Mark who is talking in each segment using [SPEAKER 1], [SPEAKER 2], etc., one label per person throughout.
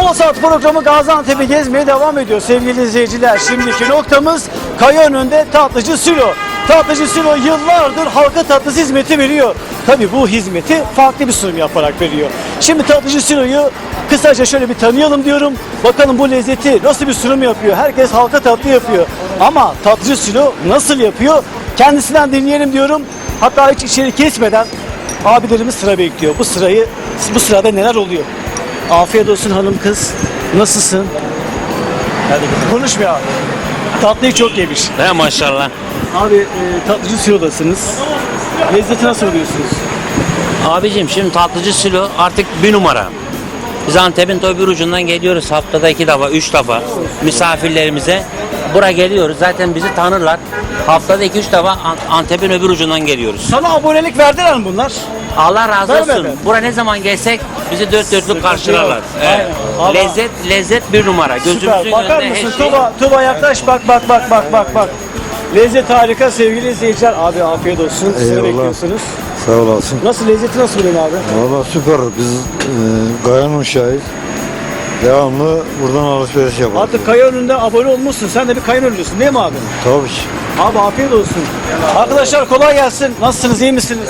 [SPEAKER 1] Moda Saat programı Gaziantep'i gezmeye devam ediyor sevgili izleyiciler. Şimdiki noktamız Kayaönü'nde Tatlıcı Sülo. Tatlıcı Sülo yıllardır halka tatlısı hizmeti veriyor. Tabi bu hizmeti farklı bir sunum yaparak veriyor. Şimdi Tatlıcı Sülo'yu kısaca şöyle bir tanıyalım diyorum. Bakalım bu lezzeti nasıl bir sunum yapıyor. Herkes halka tatlı yapıyor. Ama Tatlıcı Sülo nasıl yapıyor? Kendisinden dinleyelim diyorum. Hatta hiç içeri kesmeden abilerimiz sıra bekliyor. Bu sırada neler oluyor? Afiyet olsun hanım kız. Nasılsın? Hadi konuşmuyor abi. Tatlıyı çok yemiş.
[SPEAKER 2] He maşallah.
[SPEAKER 1] Abi Tatlıcı Sülo'dasınız. Lezzeti nasıl buluyorsunuz?
[SPEAKER 2] Abicim şimdi tatlıcı Sülo artık bir numara. Biz Antep'in öbür ucundan geliyoruz haftada 2 defa 3 defa misafirlerimize. Buraya geliyoruz zaten bizi tanırlar. Haftada 2-3 defa Antep'in öbür ucundan geliyoruz.
[SPEAKER 1] Sana abonelik verdiler mi bunlar?
[SPEAKER 2] Allah razı
[SPEAKER 1] Ver,
[SPEAKER 2] olsun.
[SPEAKER 1] ver.
[SPEAKER 2] Buraya ne zaman gelsek bizi dört dörtlük karşılarlar.
[SPEAKER 1] yok.
[SPEAKER 2] Evet.
[SPEAKER 1] Aynen.
[SPEAKER 2] Lezzet bir numara. Gözümüzün
[SPEAKER 1] Süper. Bakar
[SPEAKER 2] önünde
[SPEAKER 1] mısın?
[SPEAKER 2] her şey.
[SPEAKER 1] Tuba yaklaş bak. Lezzet harika sevgili izleyiciler. Abi afiyet olsun. Sizi
[SPEAKER 3] Eyvallah.
[SPEAKER 1] bekliyorsunuz.
[SPEAKER 3] Sağ olasın.
[SPEAKER 1] Nasıl lezzeti nasıl buluyorsun abi?
[SPEAKER 3] Valla süper. Biz Gayan Uşağıyız. Devamlı buradan alışveriş yaparız.
[SPEAKER 1] Artık Kayaönü'nde abone olmuşsun. Sen de bir Kayaönü'lüsün değil mi abi?
[SPEAKER 3] Tabii ki.
[SPEAKER 1] Abi afiyet olsun. Arkadaşlar kolay gelsin. Nasılsınız? İyi misiniz?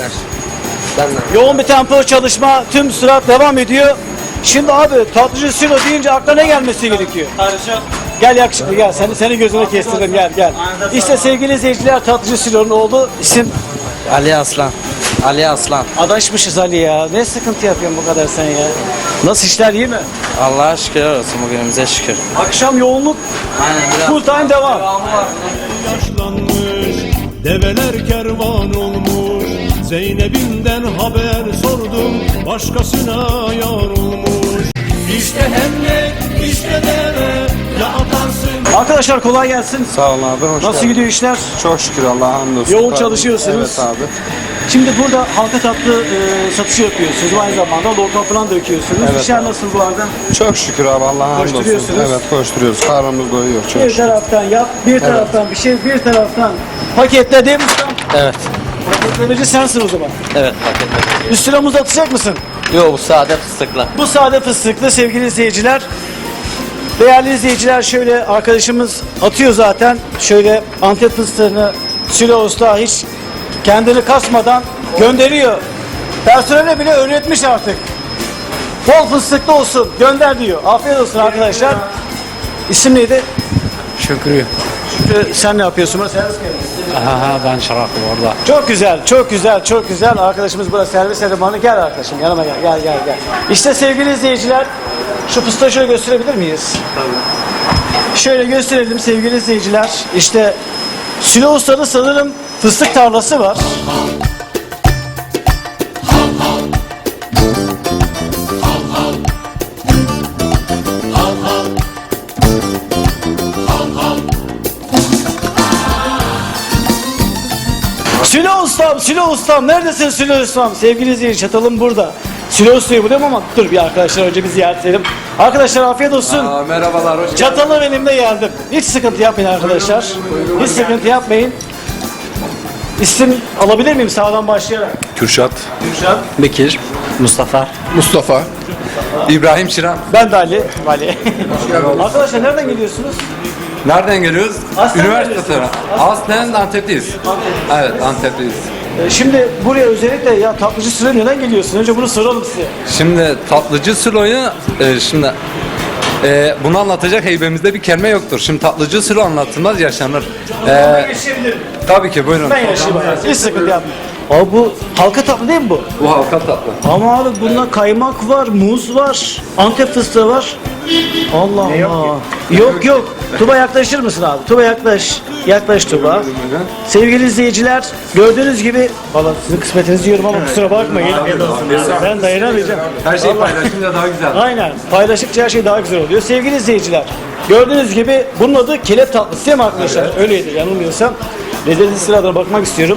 [SPEAKER 1] Yoğun bir tempo çalışma tüm sürat devam ediyor. Şimdi abi Tatlıcı Sülo deyince aklına ne gelmesi gerekiyor? Gel yakışıklı gel. Seni gözüne kestirdim gel. İşte sevgili izleyiciler Tatlıcı Sülo'nun oğlu isim
[SPEAKER 4] Ali Aslan. Ali Aslan.
[SPEAKER 1] adaşmışız Ali ya. Ne sıkıntı yapıyorsun bu kadar sen ya? Nasıl işler iyi mi?
[SPEAKER 4] Allah'a şükür olsun bugünümüze şükür.
[SPEAKER 1] Akşam yoğunluk
[SPEAKER 4] Aynen.
[SPEAKER 1] full time devam.
[SPEAKER 5] Yaşlanmış, develer kervan olmuş. Zeynep'imden haber sordum, başkasına yar olmuş. İşte hemlek, işte deve, ya atarsın.
[SPEAKER 1] Arkadaşlar kolay gelsin.
[SPEAKER 4] Sağ olun abi. Hoş
[SPEAKER 1] Nasıl
[SPEAKER 4] geldin.
[SPEAKER 1] gidiyor işler?
[SPEAKER 4] Çok şükür Allah'a hamdolsun.
[SPEAKER 1] Yoğun çalışıyorsunuz.
[SPEAKER 4] Evet abi.
[SPEAKER 1] Şimdi burada halka tatlı satışı yapıyorsunuz. Aynı zamanda lokma falan döküyorsunuz.
[SPEAKER 4] Evet.
[SPEAKER 1] İşler nasıl bu arada?
[SPEAKER 4] Çok şükür abi Allah'a hamdolsun.
[SPEAKER 1] Koşturuyorsunuz.
[SPEAKER 4] Evet koşturuyoruz. Karnımız doyuyor çok
[SPEAKER 1] Bir
[SPEAKER 4] şükür.
[SPEAKER 1] taraftan yap, bir taraftan bir şey, bir taraftan paketledim.
[SPEAKER 4] Evet.
[SPEAKER 1] Paketlemeci sensin o zaman.
[SPEAKER 4] Evet paketledim.
[SPEAKER 1] Üstüne muz atacak mısın?
[SPEAKER 4] Yok bu sade fıstıklı.
[SPEAKER 1] Bu sade fıstıklı sevgili izleyiciler. Değerli izleyiciler şöyle arkadaşımız atıyor zaten. Şöyle Antep fıstığını Sülo Usta hiç kendini kasmadan gönderiyor. Personele bile öğretmiş artık. Bol fıstıklı olsun gönder diyor. Afiyet olsun arkadaşlar. İsim neydi?
[SPEAKER 4] Şükrü.
[SPEAKER 1] Şükrü, sen ne yapıyorsun? Burası servis mi?
[SPEAKER 4] Ben çıraklım orada.
[SPEAKER 1] Çok güzel, çok güzel. Arkadaşımız burada servis elemanı. Gel arkadaşım, yanıma gel. İşte sevgili izleyiciler, şu fıstığı şöyle gösterebilir miyiz? Tabii. Şöyle gösterelim sevgili izleyiciler. İşte Sülo Usta'da sanırım fıstık tarlası var. Sülo Ustam, neredesin Sülo Ustam? Sevgili izleyici, çatalım burada. Sülo Usta'yı buluyorum ama dur bir arkadaşlar önce bir ziyaret edelim. Arkadaşlar afiyet olsun.
[SPEAKER 4] Merhabalar hoş geldiniz.
[SPEAKER 1] Çatalı benimle geldim. Hiç sıkıntı yapmayın arkadaşlar. Hiç sıkıntı yapmayın. İsim alabilir miyim sağdan başlayarak?
[SPEAKER 6] Kürşat,
[SPEAKER 1] Gülşen.
[SPEAKER 4] Bekir. Mustafa.
[SPEAKER 6] Mustafa, İbrahim Çiran.
[SPEAKER 1] Ben de Ali. Arkadaşlar nereden geliyorsunuz?
[SPEAKER 6] Nereden geliyoruz?
[SPEAKER 1] Aslen
[SPEAKER 6] Üniversite
[SPEAKER 1] neresi?
[SPEAKER 6] tarafı. Aslen Antep'teyiz. Evet, Antep'teyiz.
[SPEAKER 1] Şimdi buraya özellikle ya Tatlıcı Sülo neden geliyorsun? Önce bunu soralım size.
[SPEAKER 6] Şimdi tatlıcı Sülo'yu bunu anlatacak heybemizde bir kelime yoktur. Şimdi tatlıcı Sülo anlatılmaz yaşanır.
[SPEAKER 1] Geçebilirim.
[SPEAKER 6] Tabii ki buyurun.
[SPEAKER 1] Ben yaşayayım. Hiç sıkıntı yapmayın. Abi bu halka tatlı değil mi bu?
[SPEAKER 6] Bu halka tatlı.
[SPEAKER 1] Ama abi bunda kaymak var, muz var, Antep fıstığı var. Allah Allah. Yok. Tuba yaklaşır mısın abi? Tuba yaklaş. Yaklaş Tuba. Sevgili izleyiciler gördüğünüz gibi valla sizin kısmetinizi yiyorum ama kusura bakmayın. Ben dayanamayacağım.
[SPEAKER 6] Her şey paylaşınca daha güzel.
[SPEAKER 1] Aynen. Paylaştıkça her şey daha güzel oluyor. Sevgili izleyiciler gördüğünüz gibi bunun adı kelep tatlısı değil mi arkadaşlar? Evet. Öyleydi yanılmıyorsam. Lezzetli sıradan bakmak istiyorum.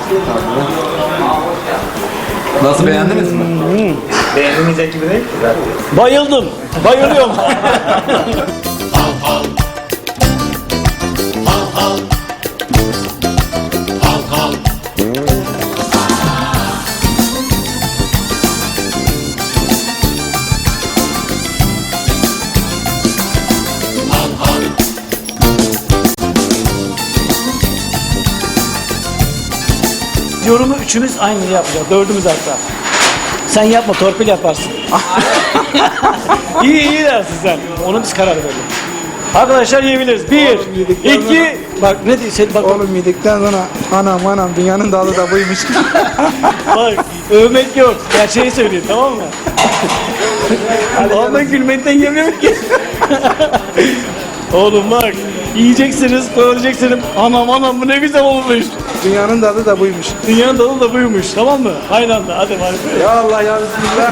[SPEAKER 6] Nasıl beğendiniz mi?
[SPEAKER 1] Beğenilmeyecek gibi değil. Bayıldım. Bayılıyorum. üçümüz aynı yapacağız. Dördümüz hatta. Sen yapma, torpil yaparsın. iyi dersin sen. Onu biz karar verelim. Arkadaşlar yiyebiliriz. Bir, iki, bak ne diyorsun? Bak,
[SPEAKER 7] Oğlum yedikten sonra anam dünyanın dalı da buymuş.
[SPEAKER 1] bak övmek yok. Gerçeği söyleyeyim, tamam mı? Ama gülmekten yemiyorum ki. Oğlum bak, yiyeceksiniz, doyuracaksınız. Anam bu ne güzel olmuş.
[SPEAKER 7] Dünyanın dalı da buymuş.
[SPEAKER 1] Dünyanın dalı da buymuş, tamam mı? Aynı anda, hadi bari.
[SPEAKER 7] Ya Allah ya Bismillah.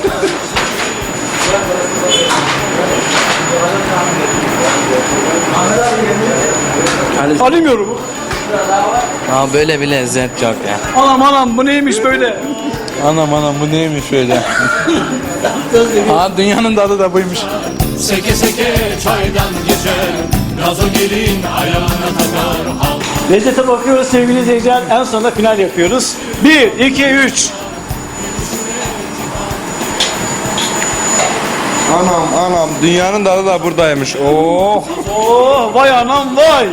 [SPEAKER 1] Alamıyorum.
[SPEAKER 4] Aa, böyle bir lezzet yok ya.
[SPEAKER 1] Anam bu neymiş böyle?
[SPEAKER 7] Anam bu neymiş böyle? Dünyanın dalı da buymuş.
[SPEAKER 5] Seke seke çaydan geçer Gazo gelin ayağına takar hal.
[SPEAKER 1] Lezzete bakıyoruz sevgili izleyiciler. En sonunda final yapıyoruz. 1, 2, 3.
[SPEAKER 8] Anam dünyanın dalı da buradaymış. Oh.
[SPEAKER 1] Oh vay anam vay.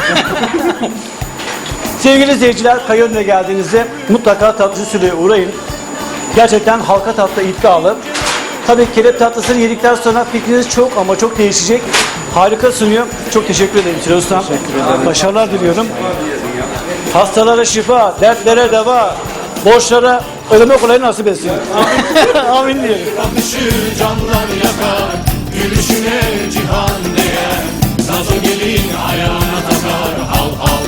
[SPEAKER 1] Sevgili izleyiciler, Kayönü'ne geldiğinizde mutlaka tatlıcı Sülo'ya uğrayın. Gerçekten halka tatlı iddialı. Tabii kelep tatlısını yedikten sonra fikriniz çok ama çok değişecek. Harika sunuyor. Çok teşekkür ederim Sülo Ustam. Başarılar diliyorum. Hastalara şifa, dertlere deva, borçlara ödeme kolayı nasip etsin. Amin diyelim.
[SPEAKER 5] Bakışı canlar yakar Gülüşüne cihan değer Gazo gelin ayağına takar hal hal.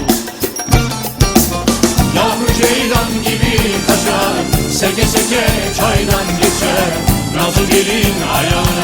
[SPEAKER 5] Yavru ceylan gibi kaçar Seke seke çaydan geçer Gazo gelin ayağına